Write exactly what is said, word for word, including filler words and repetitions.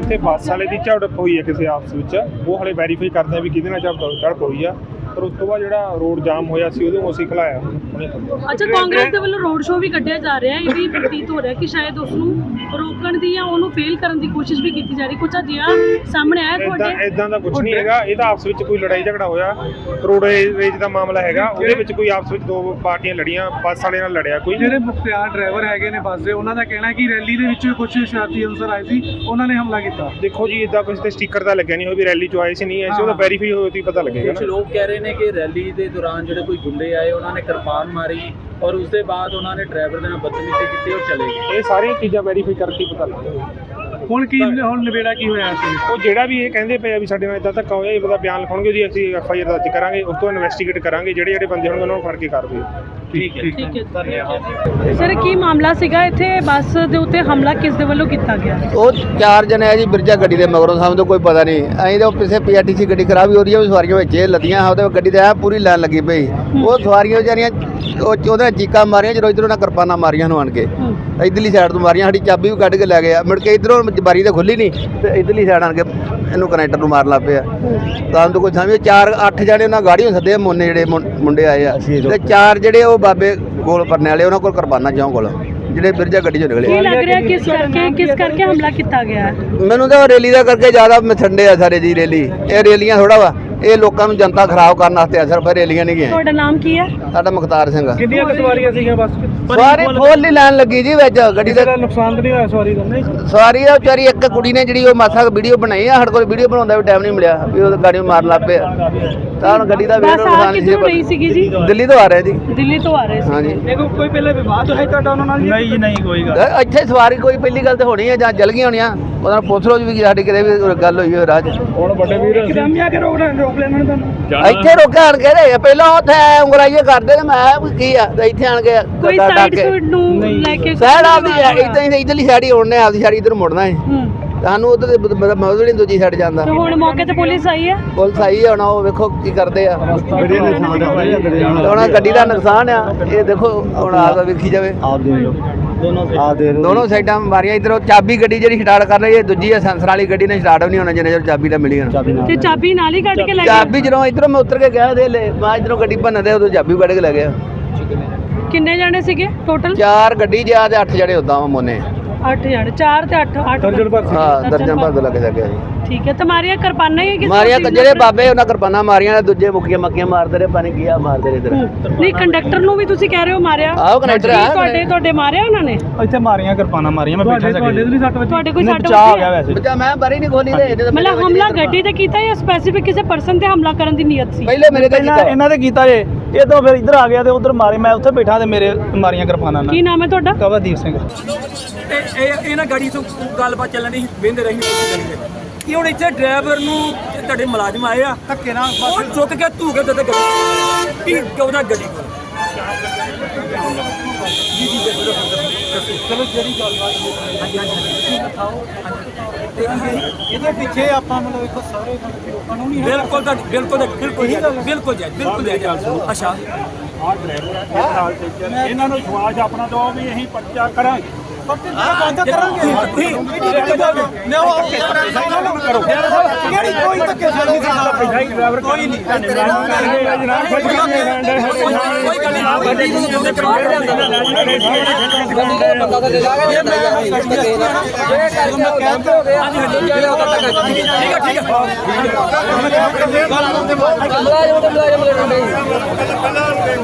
ਇੱਥੇ ਬੱਸ ਵਾਲੇ ਦੀ ਝੜਪ ਹੋਈ ਹੈ ਕਿਸੇ ਆਪਸ ਵਿੱਚ, ਉਹ ਹਲੇ ਵੈਰੀਫਾਈ ਕਰਦੇ ਆ ਵੀ ਕਿਹਦੇ ਨਾਲ ਝੜਪ ਝੜਪ ਹੋਈ ਆ। ਪਰ ਉਸ ਤੋਂ ਬਾਅਦ ਜਿਹੜਾ ਰੋਡ ਜਾਮ ਹੋਇਆ ਸੀ ਉਹਨੂੰ ਅਸੀਂ ਖਲਾਇਆ। ਅੱਛਾ, ਕਾਂਗਰਸ ਦੇ ਵੱਲੋਂ ਰੋਡ ਸ਼ੋਅ ਵੀ ਕੱਢਿਆ ਜਾ ਰਿਹਾ, ਇਹ ਵੀ ਪ੍ਰਤੀਤ ਹੋ ਰਿਹਾ ਕਿ ਸ਼ਾਇਦ ਉਸ ਨੂੰ ਰੋਕਣ ਦੀ ਜਾਂ ਉਹਨੂੰ ਫੇਲ ਕਰਨ ਦੀ ਕੋਸ਼ਿਸ਼ ਵੀ ਕੀਤੀ ਜਾ ਰਹੀ। ਕੁਝ ਅਜਿਹਾ ਸਾਹਮਣੇ ਆਇਆ ਤੁਹਾਡੇ? ਇਦਾਂ ਦਾ ਕੁਝ ਨਹੀਂ ਹੈਗਾ, ਇਹ ਤਾਂ ਆਪਸ ਵਿੱਚ ਕੋਈ ਲੜਾਈ ਝਗੜਾ ਹੋਇਆ, ਰੋਡਵੇਜ ਦਾ ਮਾਮਲਾ ਹੈਗਾ, ਉਹਦੇ ਵਿੱਚ ਕੋਈ ਆਪਸ ਵਿੱਚ ਦੋ ਪਾਰਟੀਆਂ ਲੜੀਆਂ, ਬੱਸ ਵਾਲੇ ਨਾਲ ਲੜਿਆ ਕੋਈ। ਜਿਹੜੇ ਮੁਖਤਿਆਰ ਡਰਾਈਵਰ ਹੈਗੇ ਨੇ ਬੱਸ ਦੇ, ਉਹਨਾਂ ਦਾ ਕਹਿਣਾ ਕਿ ਰੈਲੀ ਦੇ ਵਿੱਚ ਕੁਝ ਸ਼ਰਾਰਤੀ ਅਨਸਰ ਆਏ ਸੀ, ਉਹਨਾਂ ਨੇ ਹਮਲਾ ਕੀਤਾ। ਦੇਖੋ ਜੀ, ਇਦਾਂ ਕੁਝ ਤੇ ਸਟicker ਤਾਂ ਲੱਗਿਆ ਨਹੀਂ ਹੋਇਆ ਵੀ ਰੈਲੀ 'ਚ ਆਏ ਸੀ ਨਹੀਂ ਆਏ ਸੀ, ਉਹਦਾ ਵੈਰੀਫਾਈ ਹੋਇਆ ਤਾਂ ਪਤਾ ਲੱਗੇਗਾ। ਕੁਝ ਲੋਕ ਕਹਿ ਰਹੇ ਨੇ ਕਿ ਰੈਲੀ ਦੇ ਦੌਰਾਨ ਜਿਹੜੇ ਕੋਈ ਗੁੰਡੇ ਆਏ ਉਹਨਾਂ ਨੇ ਕਿਰਪਾਨ ਮਾਰੀ ਔਰ ਉਸ ਦੇ ਬਾਅਦ ਉਹਨਾਂ ਨੇ ਡਰਾਈਵਰ ਦੇ ਨਾਲ ਬਦਤਮੀਜ਼ੀ ਕੀਤੀ ਔਰ ਚਲੇ ਗਏ। ਇਹ ਸਾਰੀਆਂ ਚੀਜ਼ਾਂ ਵੈਰੀਫਾਈ ਕਰਕੇ ਪਤਾ ਲੱਗੇਗਾ। ਹੁਣ ਕੀ ਹੁਣ ਨਿਬੇੜਾ ਕੀ ਹੋਇਆ ਸੀ? ਉਹ ਜਿਹੜਾ ਵੀ ਇਹ ਕਹਿੰਦੇ ਪਏ ਆ ਵੀ ਸਾਡੇ ਨਾਲ ਇਦਾਂ ਧੱਕਾ ਹੋਇਆ, ਇਹ ਪਤਾ ਬਿਆਨ ਲਿਖਾਉਣਗੇ ਜੀ, ਅਸੀਂ ਐਫ ਆਈ ਆਰ ਦਰਜ ਕਰਾਂਗੇ, ਉਸ ਤੋਂ ਇਨਵੈਸਟੀਗੇਟ ਕਰਾਂਗੇ, ਜਿਹੜੇ ਜਿਹੜੇ ਬੰਦੇ ਹੋਣਗੇ ਉਹਨਾਂ ਨੂੰ ਫੜ ਕੇ ਕਾਰਵਾਈ। ਠੀਕ ਹੈ ਠੀਕ ਹੈ, ਧੰਨਵਾਦ। ਸਰ, ਕੀ ਮਾਮਲਾ ਸੀਗਾ ਇੱਥੇ ਬੱਸ ਦੇ ਉੱਤੇ ਹਮਲਾ ਕਿਸ ਦੇ ਵੱਲੋਂ ਕੀਤਾ ਗਿਆ? ਉਹ ਚਾਰ ਜਣੇ ਆ ਜੀ, ਬਿਰਜਾ ਗੱਡੀ ਦੇ ਮਗਰੋਂ, ਸਾਨੂੰ ਤਾਂ ਕੋਈ ਪਤਾ ਨਹੀਂ। ਅਸੀਂ ਤਾਂ ਪਿੱਛੇ ਪੀ ਆਰ ਟੀ ਸੀ ਗੱਡੀ ਖਰਾਬ ਹੋ ਰਹੀ ਹੈ, ਸਵਾਰੀਆਂ ਵਿੱਚ ਲੱਦੀਆਂ, ਉਹਦੇ ਗੱਡੀ ਤੇ ਆ ਪੂਰੀ ਲਾਈਨ ਲੱਗੀ ਪਈ। ਉਹ ਸਵਾਰੀਆਂ ਵਿਚਾਰੀਆਂ ਉਹ ਉਹਦੇ ਚੀਕਾਂ ਮਾਰੀਆਂ, ਜਦੋਂ ਇੱਧਰੋਂ ਉਹਨਾਂ ਕਿਰਪਾਨਾਂ ਮਾਰੀਆਂ ਨੂੰ ਆਣ ਕੇ, ਇੱਧਰਲੀ ਸਾਈਡ ਤੋਂ ਮਾਰੀਆਂ, ਸਾਡੀ ਚਾਬੀ ਵੀ ਕੱਢ ਕੇ ਲੈ ਗਿਆ। ਮੁੜ ਕੇ ਇੱਧਰੋਂ ਬਾਰੀ ਤਾਂ ਖੁੱਲੀ ਨਹੀਂ ਤੇ ਇੱਧਰਲੀ ਸਾਈਡ ਆਣ ਕੇ ਇਹਨੂੰ ਕਨੈਕਟਰ ਨੂੰ ਮਾਰਨ ਲੱਗ ਪਿਆ। ਤਾਂ ਤੋਂ ਕੋਈ ਸਮਝ, ਚਾਰ ਅੱਠ ਜਣੇ ਉਹਨਾਂ ਗਾੜੀਆਂ ਸੱਦੇ ਮੁੰਨੇ, ਜਿਹੜੇ ਮੁੰਡੇ ਆਏ ਆ, ਤੇ ਚਾਰ ਜਿਹੜੇ ਉਹ ਬਾਬੇ ਗੋਲ ਪਰਨੇ ਵਾਲੇ, ਉਹਨਾਂ ਕੋਲ ਕਿਰਪਾਨਾਂ ਚੌਂ ਕੋਲ, ਜਿਹੜੇ ਬਿਰਜਾ ਗੱਡੀ ਚੋਂ ਨਿਕਲੇ। ਕੀ ਲੱਗ ਰਿਹਾ ਕਿਸ ਕਰਕੇ ਕਿਸ ਕਰਕੇ ਹਮਲਾ ਕੀਤਾ ਗਿਆ? ਮੈਨੂੰ ਤਾਂ ਰੈਲੀ ਦਾ ਕਰਕੇ ਜ਼ਿਆਦਾ ਮਥੰਡੇ ਆ ਸਾਰੇ ਜੀ। ਰੈਲੀ ਇਹ ਰੈਲੀਆਂ ਥੋੜਾ ਵਾ, ਇਹ ਲੋਕਾਂ ਨੂੰ ਜਨਤਾ ਖਰਾਬ ਕਰਨ ਵਾਸਤੇ ਆ, ਸਿਰਫ ਰੈਲੀਆਂ ਨਹੀਂ ਗਈਆਂ। ਤੁਹਾਡਾ ਨਾਮ ਕੀ ਹੈ? ਸਾਡਾ ਮੁਖਤਾਰ ਸਿੰਘ। ਕਿੰਨੀਆਂ ਕੁ ਸਵਾਰੀਆਂ ਸੀਗੀਆਂ ਬੱਸ? ਸਵਾਰੀ ਫੁੱਲ ਹੀ ਲਾਈਨ ਲੱਗੀ ਜੀ ਵਿੱਚ ਗੱਡੀ ਦਾ। ਨੁਕਸਾਨ ਤਾਂ ਨਹੀਂ ਹੋਇਆ ਸਵਾਰੀ ਦਾ? ਨਹੀਂ, ਸਵਾਰੀ ਦਾ ਵਿਚਾਰੀ ਇੱਕ ਕੁੜੀ ਨੇ ਜਿਹੜੀ ਉਹ ਮਾਸਾ ਵੀਡੀਓ ਬਣਾਈ ਆ, ਸਾਡੇ ਕੋਲ ਵੀਡੀਓ ਬਣਾਉਣ ਦਾ ਵੀ ਟਾਈਮ ਨਹੀਂ ਮਿਲਿਆ ਵੀ ਉਹ ਗਾੜੀ ਮਾਰਨ ਲੱਗ ਪਿਆ। ਤਾਂ ਹੁਣ ਗੱਡੀ ਦਾ ਬੱਸ ਆ ਕਿੱਥੋਂ ਰਹੀ ਸੀਗੀ ਜੀ? ਦਿੱਲੀ ਤੋਂ ਆ ਰਿਹਾ ਜੀ। ਦਿੱਲੀ ਤੋਂ ਆ ਰਹੇ ਸੀ। ਹਾਂਜੀ। ਦੇਖੋ, ਕੋਈ ਪਹਿਲੇ ਵਿਵਾਦ ਹੈ ਤੁਹਾਡਾ ਉਹਨਾਂ ਨਾਲ? ਨਹੀਂ ਜੀ, ਨਹੀਂ ਕੋਈ ਗੱਲ। ਇੱਥੇ ਸਵਾਰੀ ਕੋਈ ਪਹਿਲੀ ਗੱਲ ਤੇ ਹੋਣੀ ਹੈ ਜਾਂ ਜਲ ਗਈਆਂ ਹੋਣੀਆਂ, ਉਹਨਾਂ ਨੂੰ ਪੁੱਛ ਲਓ ਵੀ ਸਾਡੀ ਕਿਤੇ ਵੀ ਗੱਲ ਹੋਈ ਹੋਵੇ ਰਾਹ 'ਚ। ਹੁਣ ਵੱਡੇ ਵੀਰ ਇੱਕਦਮ ਹੀ ਆ ਕੇ ਰੋਕ ਰੋਕ ਲੈਣਾ ਤੁਹਾਨੂੰ? ਇੱਥੇ ਰੋਕਿਆ ਆਣ ਕੇ ਰਹੇ ਪਹਿਲਾਂ, ਉੱਥੇ ਉਂਗਲਾਈਏ ਕਰਦੇ ਤੇ ਮੈਂ ਕੀ ਆ, ਤੇ ਇੱਥੇ ਆਣ ਕੇ ਕੋਈ ਸਾਈਡ ਸੂਟ ਨੂੰ ਲੈ ਕੇ ਸਾਈਡ ਆਪਦੀ ਇਦਾਂ ਹੀ ਇਧਰਲੀ ਸਾਈਡ ਹੀ ਉੜਨੇ, ਆਪਦੀ ਸਾਈਡ ਇਧਰ ਮੁੜਨਾ ਹੈ। ਸਾਨੂੰ ਉਧਰ ਮੌਜੂਦ ਨਹੀਂ ਦੂਜੀ ਸਾਈਡ ਜਾਂਦਾ। ਹੁਣ ਮੌਕੇ ਤੇ ਪੁਲਿਸ ਆਈ ਹੈ? ਪੁਲਿਸ ਆਈ ਹੈ, ਹੁਣ ਉਹ ਵੇਖੋ ਕੀ ਕਰਦੇ ਆ। ਹੁਣ ਗੱਡੀ ਦਾ ਨੁਕਸਾਨ ਆ, ਇਹ ਦੇਖੋ ਹੁਣ ਆ ਵੇਖੀ ਜਾਵੇ। ਦੋਨੋਂ ਸਾਈਡਾਂ ਮਾਰੀਆਂ। ਇਧਰੋਂ ਚਾਬੀ ਗੱਡੀ ਜਿਹੜੀ ਸਟਾਰਟ ਕਰ ਰਹੀ ਹੈ, ਦੂਜੀ ਹੈ ਸੈਂਸਰ ਵਾਲੀ ਗੱਡੀ ਨੇ ਸਟਾਰਟ ਵੀ ਨਹੀਂ ਹੋਣਾ ਜਿੰਨੇ ਚਿਰ ਚਾਬੀ ਨਾ ਮਿਲੀ। ਤੇ ਚਾਬੀ ਨਾਲ ਹੀ ਕੱਢ ਕੇ ਲੈ ਗਏ? ਚਾਬੀ ਜਦੋਂ ਇਧਰੋਂ ਮੈਂ ਉਤਰ ਕੇ ਗਿਆ ਦੇ ਲੈ, ਮੈਂ ਇਧਰੋਂ ਗੱਡੀ ਭੰਨ ਦੇ, ਉਦੋਂ ਚਾਬੀ ਕੱਢ ਕੇ ਲੈ ਗਿਆ। ਕਿੰਨੇ ਜਣੇ ਸੀਗੇ ਟੋਟਲ? ਚਾਰ ਗੱਡੀ ਜਿਆ ਤੇ ਅੱਠ ਜਣੇ ਉਦਾਂ ਵਾ ਮੋਨੇ। ਅੱਠ ਜਣੇ, ਚਾਰ ਤੇ ਅੱਠ ਅੱਠ ਦਰਜਨ ਭਰ। ਹਾਂ, ਦਰਜਨ ਭਰ ਦੇ ਲੱਗ ਜਾ ਗਿਆ ਜੀ। ਠੀਕ ਹੈ। ਤੇ ਮਾਰੀਆਂ ਕਿਰਪਾਨਾਂ ਹੀ ਕਿਸ? ਮਾਰੀਆਂ ਜਿਹੜੇ ਬਾਬੇ ਉਹਨਾਂ ਕਿਰਪਾਨਾਂ ਮਾਰੀਆਂ, ਦੂਜੇ ਮੁੱਕੀਆਂ ਮੱਕੀਆਂ ਮਾਰਦੇ ਰਹੇ, ਪਾਣੀ ਕੀਆ ਮਾਰਦੇ ਰਹੇ ਇਧਰ। ਨਹੀਂ, ਕੰਡਕਟਰ ਨੂੰ ਵੀ ਤੁਸੀਂ ਕਹਿ ਰਹੇ ਹੋ ਮਾਰਿਆ? ਆਹੋ, ਕੰਡਕਟਰ ਆ ਤੁਹਾਡੇ ਤੁਹਾਡੇ ਮਾਰਿਆ ਉਹਨਾਂ ਨੇ? ਇੱਥੇ ਮਾਰੀਆਂ ਕਿਰਪਾਨਾਂ ਮਾਰੀਆਂ, ਮੈਂ ਬੈਠਾ ਸੀ। ਤੁਹਾਡੇ ਤੋਂ ਨਹੀਂ ਸੱਟ ਵੱਜੀ? ਤੁਹਾਡੇ ਕੋਈ ਸੱਟ ਬਚਾ ਹੋ ਗਿਆ ਵੱਜੀ? ਵੈਸੇ। ਬੱਚਾ ਮੈਂ ਬਾਰੀ ਨਹੀਂ ਖੋਲੀ ਤੇ ਮਤਲਬ ਹਮਲਾ ਗੱਡੀ ਤੇ ਕੀਤਾ ਜਾਂ ਸਪੈਸੀਫਿਕ ਕਿਸੇ ਪਰਸਨ ਤੇ ਹਮਲਾ ਕਰਨ ਦੀ ਨੀਅਤ ਸੀ? ਪਹਿਲੇ ਮੇਰੇ ਤੇ ਪਹਿਲਾਂ ਕੀਤਾ। ਇਹਨਾਂ ਦੇ ਕੀਤਾ ਜੇ, ਇਹ ਤੋਂ ਫਿਰ ਇੱਧਰ ਆ ਗਿਆ ਤੇ ਉਧਰ ਮਾਰੇ, ਮੈਂ ਉੱਥੇ ਬੈਠਾ ਤੇ ਮੇਰੇ ਮਾਰੀਆਂ ਕਿਰਪਾਨਾਂ ਨਾਲ। ਕੀ ਨਾਮ ਹੈ ਤੁਹਾਡਾ? ਕਵਰਦੀਪ ਸਿੰਘ। ਇਹ ਇਹ ਇਹਨਾਂ ਗਾੜੀ ਤੋਂ ਗੱਲਬਾਤ ਚੱਲਣ ਦੀ ਵੇਂਦੇ ਰਹੀ ਕਿ ਹੁਣ ਇੱਥੇ ਡਰਾਈਵਰ ਨੂੰ ਤੁਹਾਡੇ ਮੁਲਾਜ਼ਮ ਆਏ ਆ ਧੱਕੇ ਨਾਲ ਉਹ ਚੁੱਕ ਕੇ ਧੂ ਕੇ ਤੇ ਗੱਡੀ ਕੀ ਕਿਉਂ ਗੱਡੀ ਕੋਲ। ਚਲੋ ਜਿਹੜੀ ਗੱਲਬਾਤ ਹਾਂਜੀ ਹਾਂਜੀ ਦਿਖਾਓ। ਇਹਦੇ ਪਿੱਛੇ ਆਪਾਂ ਮਤਲਬ ਇੱਕ ਸਾਰੇ ਕਾਨੂੰਨੀ ਬਿਲਕੁਲ ਬਿਲਕੁਲ ਬਿਲਕੁਲ ਬਿਲਕੁਲ ਜੀ ਬਿਲਕੁਲ ਜੀ। ਅੱਛਾ, ਆਹ ਡਰਾਈਵਰ ਆ, ਇਹਦੇ ਨਾਲ ਚੱਲ, ਇਹਨਾਂ ਨੂੰ ਵਿਸ਼ਵਾਸ ਆਪਣਾ ਦਿਓ ਵੀ ਅਸੀਂ ਪਰਚਾ ਕਰਾਂਗੇ। ਬੰਦ ਕਰਾਂਗੇ ਤੁਸੀਂ ਕਿਹੜੀ ਕੋਈ ਧੱਕੇ ਸਾਡੀ ਡਰਾਈਵਰ ਕੋਈ ਨਹੀਂ ਕੋਈ ਗੱਲ ਨਹੀਂ ਗੱਡੀ ਨੂੰ ਕਿਉਂ ਕਰਵਾ ਰਿਹਾ ਬੰਦਾ ਤਾਂ ਦੇ ਦਾਂਗੇ ਇਹ ਮੈਂ ਕਹਿੰਦਾ ਹੋ ਗਿਆ ਠੀਕ ਹੈ ਠੀਕ ਹੈ ਮੁਲਾਜ਼ਮ ਮੁਲਾਜ਼ਮ